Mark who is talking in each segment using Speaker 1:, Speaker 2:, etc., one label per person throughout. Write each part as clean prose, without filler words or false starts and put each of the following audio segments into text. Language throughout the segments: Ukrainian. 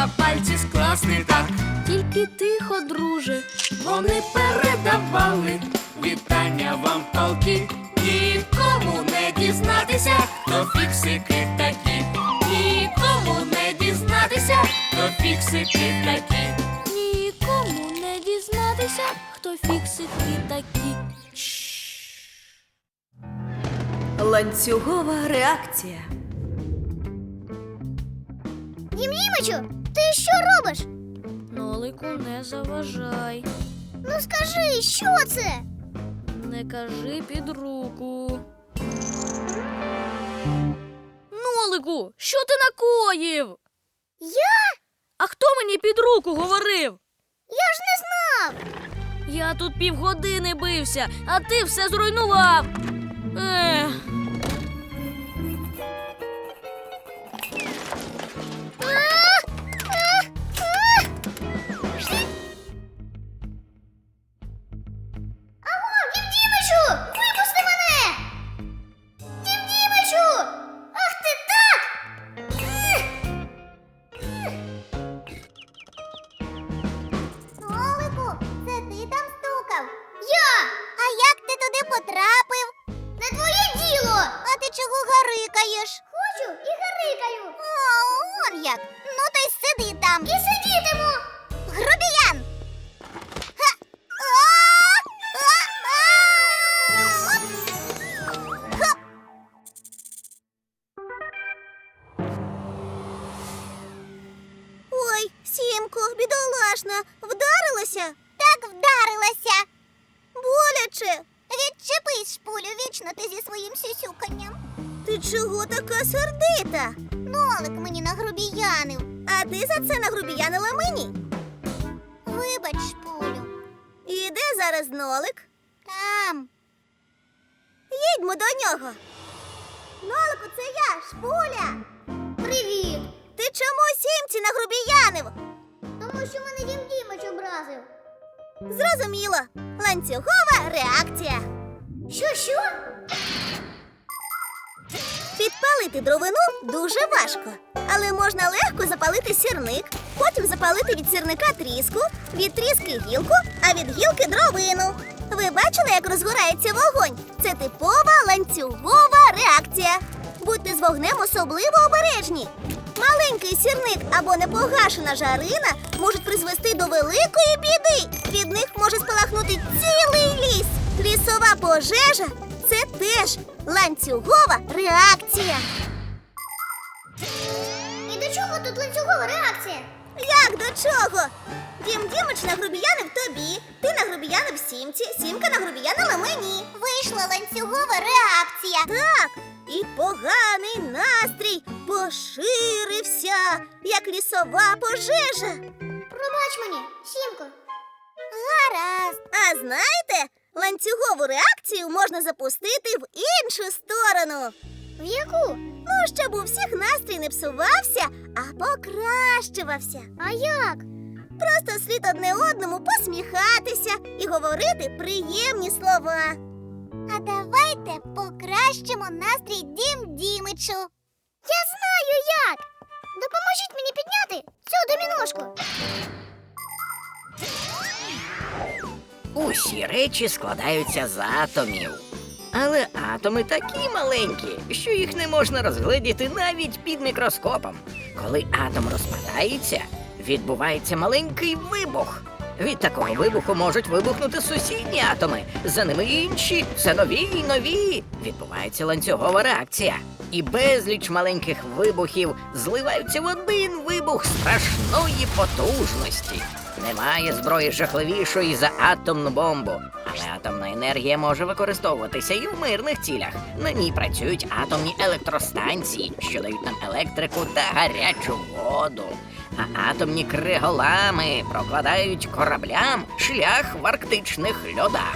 Speaker 1: треба пальці скласти так.
Speaker 2: Тільки тихо, друже.
Speaker 1: Вони передавали вітання вам толки. Нікому не дізнатися, хто фіксики такі. Нікому не дізнатися, хто фіксики такі.
Speaker 2: Нікому не дізнатися, хто фіксики такі.
Speaker 3: Ланцюгова реакція.
Speaker 4: Дім-Дімичу, ти що робиш?
Speaker 2: Нолику, не заважай.
Speaker 4: Ну скажи, що це?
Speaker 2: Не кажи під руку. Нолику, що ти накоїв?
Speaker 4: Я?
Speaker 2: А хто мені під руку говорив?
Speaker 4: Я ж не знав.
Speaker 2: Я тут півгодини бився, а ти все зруйнував. Ех.
Speaker 4: Аго, Дім-Дімичу, випусти мене! Дім-Дімичу! Ах ти так! Нолику, це ти там стукав? Я! А як ти туди потрапив? Не твоє діло! А ти чого гарикаєш? Хочу і гарикаю. О, он як! Ну то й сиди там. І сидітиму! Грубіян! Ой, Сімко, бідолашна, вдарилася? Так вдарилася. Боляче. Відчепись, шпулю, вічно ти зі своїм сюсюканням. Ти чого така сердита? Нолик мені нагрубіянив. А ти за це нагрубіянила мені? Вибач, шпулю. І де зараз Нолик? Там. Їдьмо до нього. Нолику, це я, Шпуля. Привіт. Ти чому Сімці нагрубіянив? Тому що мене Дім-Дімич образив. Зрозуміло. Ланцюгова реакція. Що? Підпалити дровину дуже важко. Але можна легко запалити сірник, потім запалити від сірника тріску, від тріски гілку, а від гілки дровину. Ви бачили, як розгорається вогонь? Це типова ланцюгова реакція. Будьте з вогнем особливо обережні. Маленький сірник або непогашена жарина можуть призвести до великої біди. Від них може спалахнути цілий ліс. Лісова пожежа – це теж ланцюгова реакція. І до чого тут ланцюгова реакція? Як до чого? Дім-Дімич нагрубіянив тобі, ти нагрубіянив Сімці, Сімка нагрубіянила мені. Вийшла ланцюгова реакція. Так, і поганий настрій поширився, як лісова пожежа. Пробач мені, Сімко. Гаразд. А знаєте, ланцюгову реакцію можна запустити в іншу сторону. В яку? Ну, щоб у всіх настрій не псувався, а покращувався. А як? Просто слід одне одному посміхатися і говорити приємні слова. А давайте покращимо настрій Дім-Дімичу. Я знаю як! Допоможіть мені підняти цю доміношку.
Speaker 5: Усі речі складаються з атомів. Але атоми такі маленькі, що їх не можна розгледіти навіть під мікроскопом. Коли атом розпадається, відбувається маленький вибух. Від такого вибуху можуть вибухнути сусідні атоми, за ними інші, все нові і нові. Відбувається ланцюгова реакція. І безліч маленьких вибухів зливаються в один вибух страшної потужності. Немає зброї жахливішої за атомну бомбу. Але атомна енергія може використовуватися і в мирних цілях. На ній працюють атомні електростанції, що дають нам електрику та гарячу воду. А атомні криголами прокладають кораблям шлях в арктичних льодах.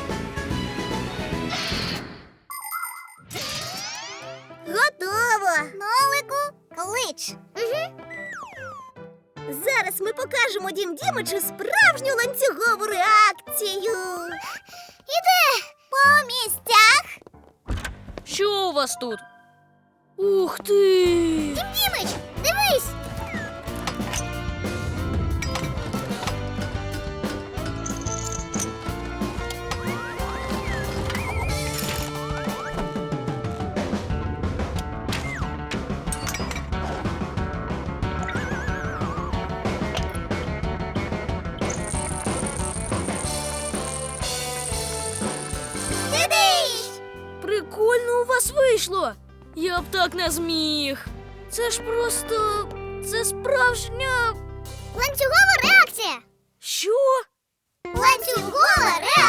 Speaker 4: Готово! Нолику, клич. Угу. Зараз ми покажемо Дім-Дімичу справжню ланцюгову реакцію. Іде по місцях.
Speaker 2: Що у вас тут? Ух ти!
Speaker 4: Дім-Дімич, дивись!
Speaker 2: вийшло. Я б так не зміг. Це ж просто... Це справжня...
Speaker 4: Ланцюгова реакція.
Speaker 2: Що?
Speaker 4: Ланцюгова реакція.